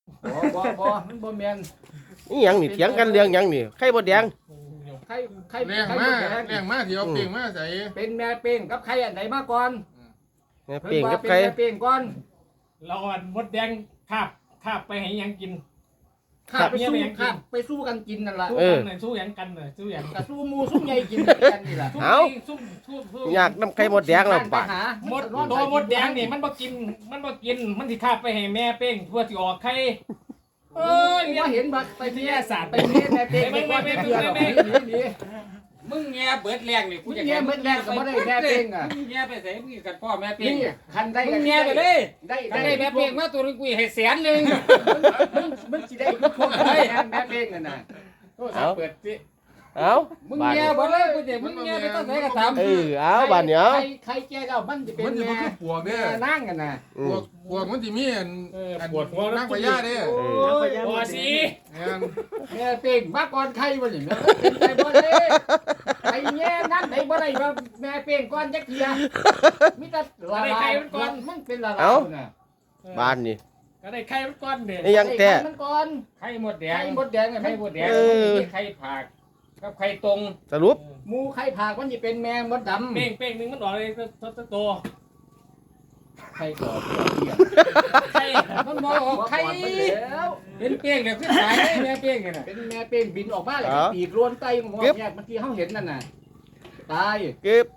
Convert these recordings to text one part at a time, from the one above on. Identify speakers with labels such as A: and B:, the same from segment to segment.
A: บ่มันบ่แม่น
B: นี่หยังนี่เถียงกันเรื่องหยังนี่ไข่มดแดง
A: ไข่ไข่
C: แรง
A: ไข่
C: มาม
A: ด
C: ก
A: แดง
C: แรงมากที่เอาเปลียงมาใส่
A: เป็นแม่เป้งกับไข่อันไหนมาก่อน
B: แม่
A: เพิ่
B: เป่ง
A: นว่า
B: กับ
A: เป็น
B: ไข่
A: แม่เป้งก่อน
D: เราอันมดแดงคาบไปให้ยังกิน
A: ข้าไปสู้ข้าไปสู้กันกินนั่นล่ะ
D: สู้กันหน่อยสู้หยังกันหน่อยสู้หยัง
A: ก็สู้หมูสู้ใหญ่กินกันนี่ล่ะ
D: สู้
B: อยากน้ำไข่มดแดงแล้ว
A: ไป
B: ป่ะ
A: หาม
D: ดตัวมดแดงนี่มันบ่กินมันสิคาบไปให้แม่เป้งทั่วสิออกไข่เอ้ย
A: ว่าเห็นบักไป
D: วิท
A: เมีย
D: ยาศาสตร์
A: ไปเมียแม่เป้งไปก่อนไปเมียหรอกนี่
E: มึงแง่เบิดแรงนี่กู
A: มึง
E: จะ
A: เมียเมื่อแรกก็บ่ได้แม่เป้งอ่ะ
E: มึงแง่ไปใส่มึงกันพ่อแม่เป้ง
A: นี่คันได้
E: มึงแง่ไปเลย
A: ได้
E: กันได้แม่เป้งมาตัวนึงกูให้แสนนึง
A: มึงสิได้พวกได้แม่เป้งน่ะนะ
E: โทรศัพท์เปิดสิ
B: เอ้า
E: มึง
B: บาน
E: แง่
B: นี้
E: บ่เลยกูจะมึงแง่ไปต้องใส่กระทำ
B: เอาบานเนี้ย
A: ใครแก่แล้วมันจะเป็น
C: มันจะ
A: แม่
C: มาคือปวก
A: แม่
C: เนี่ย
A: นั่งกันน่ะ
C: ปวกมันจะมีอัน
D: ปวดหัว
C: นั่งพญาเนี่ย
A: โอ้ย
D: พอสิ
A: แม่เป้งมาก่อนใครวะนี่เป็นไปบ่ได้ไอ้แง่นั่นได้บ่ได้ว่าแม่เป้งก่อนจักเทียมีแต่ละลายมันเป็นละลายน่ะ
B: บานนี่
D: ก็ได้ไข่มันก่อนเด้
B: นี่ยังแต่
A: มันก่อน
E: ไข่หมดแด
A: ไข่
E: ง
A: มดแดงไง
E: ไข่
A: ไข่
E: ห
A: ม
E: ม
A: ด
E: ด
A: แด
E: แด
A: ง
E: งมีไข่ผักกับไข่ตรง
B: สรุป
A: หมูไข่ผากมันจะเป็นแมงมดดำ
D: เป้งนึงมันออกเลยตัว
A: ไข่กรอบเดียว
D: ไข่
E: มันบ่ออกไข่
A: แล้ว
E: เป็นเป้งเดี๋ยวขึ้นสายเลยแม่เป้งน่ะ
A: เป็นแม่เป้งบินออกมาเลยปีกล้วนไตของมันเนี่ยเมื่อกี้เขาเห็นนั่นน่ะตาย
B: เก็บ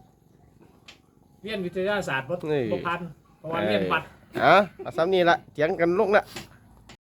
D: เรียนวิทยาศาสตร์บ่
B: นี่
D: พันเพราะว่าเรียนบัตร
B: เอาซ้ำนี่ละเถียงกันลงละ